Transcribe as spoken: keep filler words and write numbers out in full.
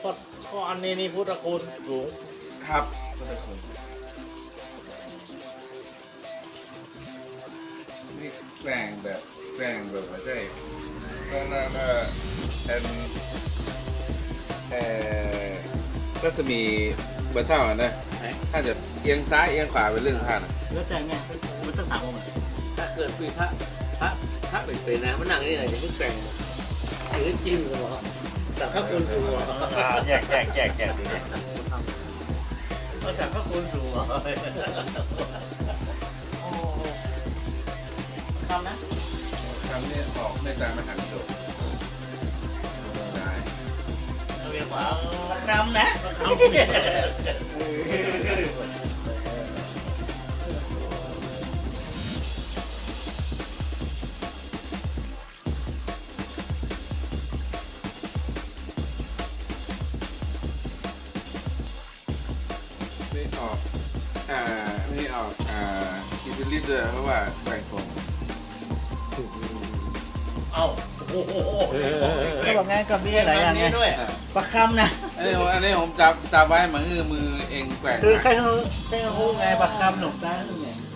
ราะเพราะอันนี้นี่พุทธคุณสูงครับพุทธคุณนี่แกล้งแบบแกล้งแบบไม่ใช่ก็น่าก็เป็นเอ่อรัศมีเบอร์เท่านะถ้าจะเอียงซ้ายเอียงขวาเป็นเรื่องท่านนะแล้วแต่ไงมันต้องสามองค์ถ้าเกิดมีพระพระพระเป็นเป็นนะมันนั่งนี่ไหนจะพึ่งแต่งหรือจริงหรือเปล่าแต่พระคุณสูงเหรอแยกแยกแยกแยกดูเนี่ยเอาแต่พระคุณสูงเหรอโอ้ทำนะคำนี้ออกในตามมหาวิทยาลัยได้เรียกว่าทำนะไม่ออกอ่าไม่ออกอ่าอิตาลีด้วยเพราะว่าแบ่งผมเอ้าโอ้โหก็บอกไงกับนี่อะไรอย่างเงี้ยด้วยอ่าประคำนะอันนี้ผมอันนี้ผมจับจับไว้เหมือนมือมือเองแกว่งคือนะใครเขาใครเขาไงประคำหนุกได้ไง